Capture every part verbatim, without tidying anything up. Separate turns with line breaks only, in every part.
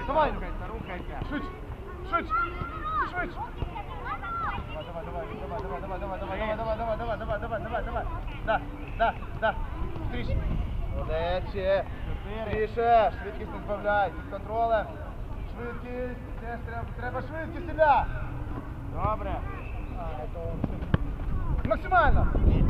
Давай.
Рухайся, рухайся.
Швидше. Швидше. Швидше. Давай, давай, давай, давай, давай, давай, давай, давай, давай, давай, давай, давай, давай. Да, да, да. Быстріше. Молодець. Ще. Більше. Швидкість не збавляй. Під контролем. Швидкість. Теж треба, треба швидкість, Ілля.
Добре.
Максимально.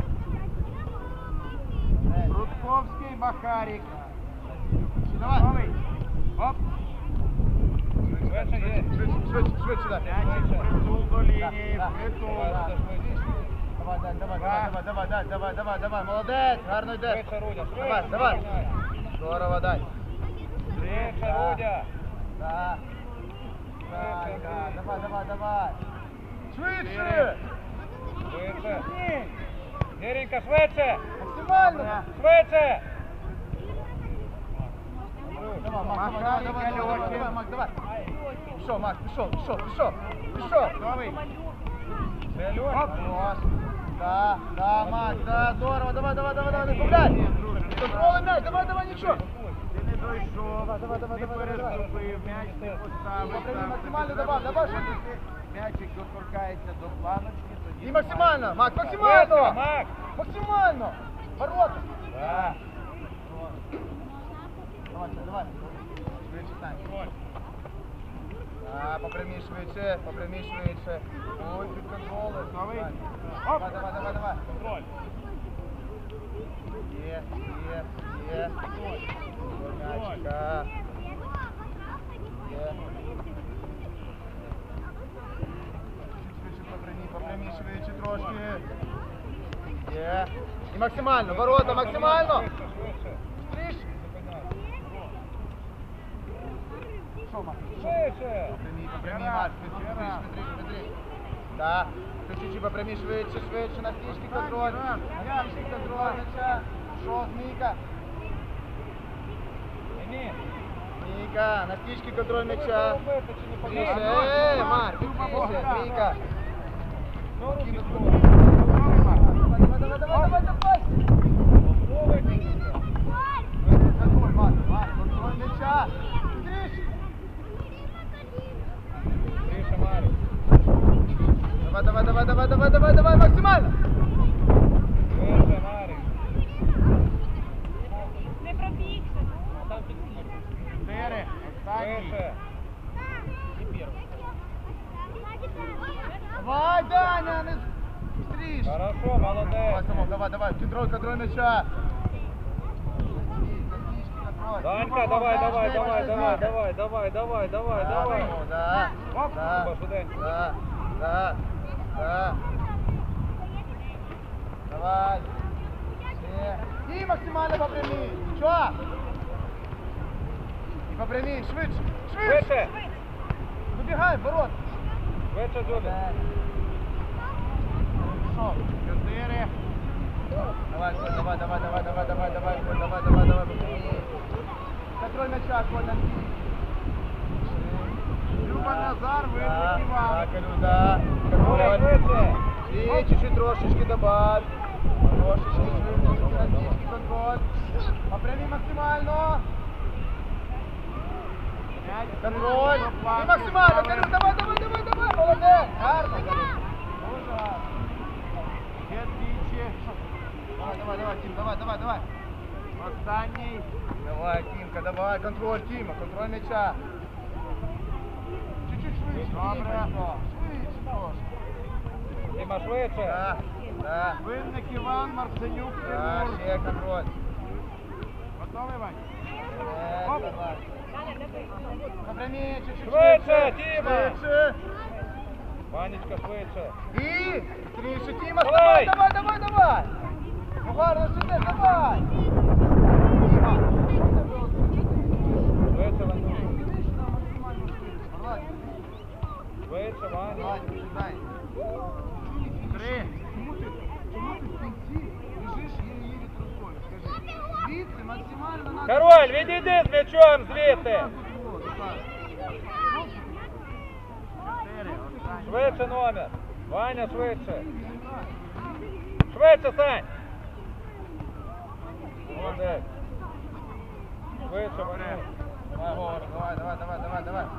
Рудковський, Махарик.
Давай.
Новий. Оп. Швидше,
Швидше, швидше, швидше, да.
М'ячик, притул до лінії, притул.
Давай, давай, давай, давай, давай, давай, давай, давай, давай, молодець, гарно йдеш.
Швидше, Рудя, швидше.
Давай, давай. Здорово, дай.
Швидше, Рудя.
Да. Да, да, давай, давай, давай. Швидше.
Швидше. Геренька, швидше.
Максимально.
Швидше.
Давай, Макс, давай, давай, давай, давай, давай, Макс, давай. Пішов, Макс, пішов, пішов, пішов, пішов.
Новий.
Оп. Да, да, Макс, да, здорово, давай, давай, давай, давай, не збавляй. Контролем м'яч, давай, давай, нічого.
Ти не дойшов,
Давай, давай, давай,
не
давай, давай.
переступив, м'яч не поставив.
Попри максимально давай, давай, швидше.
М'ячик доторкається до планочки, тоді...
І максимально, Макс, максимально.
Макс!
Максимально. Ворота.
Да.
Давай, давай. Швидше, Сань. Да, попрямій швидше, попрямій швидше. Ой, під контролем.
Новий.
Давай, давай, давай, давай.
Контроль.
Є, є, є. М'ячика. Є. Швидше попрямій, попрямій швидше трошки. Є. І максимально, ворота, максимально. Швидше. Що, Макс?
Швидше.
Попрямій, попрямій, Макс, швидше, швидше, швидше, швидше. Да. Чуть-чуть попрямій швидше, швидше, на стічки контроль. На стічки контроль, м'яча. Що, Змійка?
Ні.
Змійка, на стічки контроль м'яча.
Робити чи не
Більше,
помагати?
ей, Марк, більше, Змійка.
Ну, руки
Давай, давай, давай, давай, давай. Контроль, Марк, Марк, контроль м'яча. Быстріше.
Тише, Марик.
Давай, давай, давай, давай, давай, давай, давай, максимально.
Тише, Марик.
Не пробігся.
Чотири. Тише.
Давай, Даня, не быстріше.
Хорошо, молодець.
Давай, Самок, давай, давай, контроль, контроль м'яча.
Данька, давай, давай, давай, давай, давай, давай, давай, давай, давай.
Да,
Оп,
да,
Люба, швиденько.
да, да, да. Давай. Ще. І максимально попрямій. Чого? І попрямій, швидше, швидше.
Швидше.
Вибігай, в ворот.
Швидше, Джулі.
Що?
Чотири.
Давай, Коль, давай, давай, давай, давай, давай, давай, Коль, давай, давай, давай, попрямій. Контроль м'яча, Коль, на стій.
Люба Назар,
Да,
виходить
да,
Іван.
Колю, да.
Коля,
Контроль.
швидше.
И чуть-чуть трошечки добавь. Трошечки швидше, на стічки контроль. Попрямі максимально. Контроль. І максимально. Колю, давай, давай, давай, давай. Молодець. Гарно.
Дуже гарно. Ще двічі.
Давай, давай, давай, Тім, давай, давай, давай.
Останній.
Давай, Тімка, давай. Контроль, Тіма, контроль м'яча. Чуть-чуть швидше.
Добре.
Тімка. Швидше трошки.
Тима, швидше.
Да, да.
Винник Іван, Марценюк,
Да,
Тимур.
ще контроль.
Готовий, Вань?
Е,
Оп.
давай. Попрямі, чуть-чуть
Швидше, Тіма.
Швидше.
Ванечка, швидше.
І трішки, Тіма,
Давай.
давай, давай, давай, давай. Ну гарно сюди, давай. Тіма.
Швидше, Ванюш.
Давай,
Швидше, Ваня.
давай, дай.
Три.
Чому ти, чому ти в кінці лежиш її рукою? Скажи. Звідси максимально надо.
Король, відійди з м'ячом звідти. Чотири. Швидше номер. Ваня, швидше. Швидше, Сань. Молодець. Швидше, Ваня.
Давай, Говор, давай, давай, давай, давай,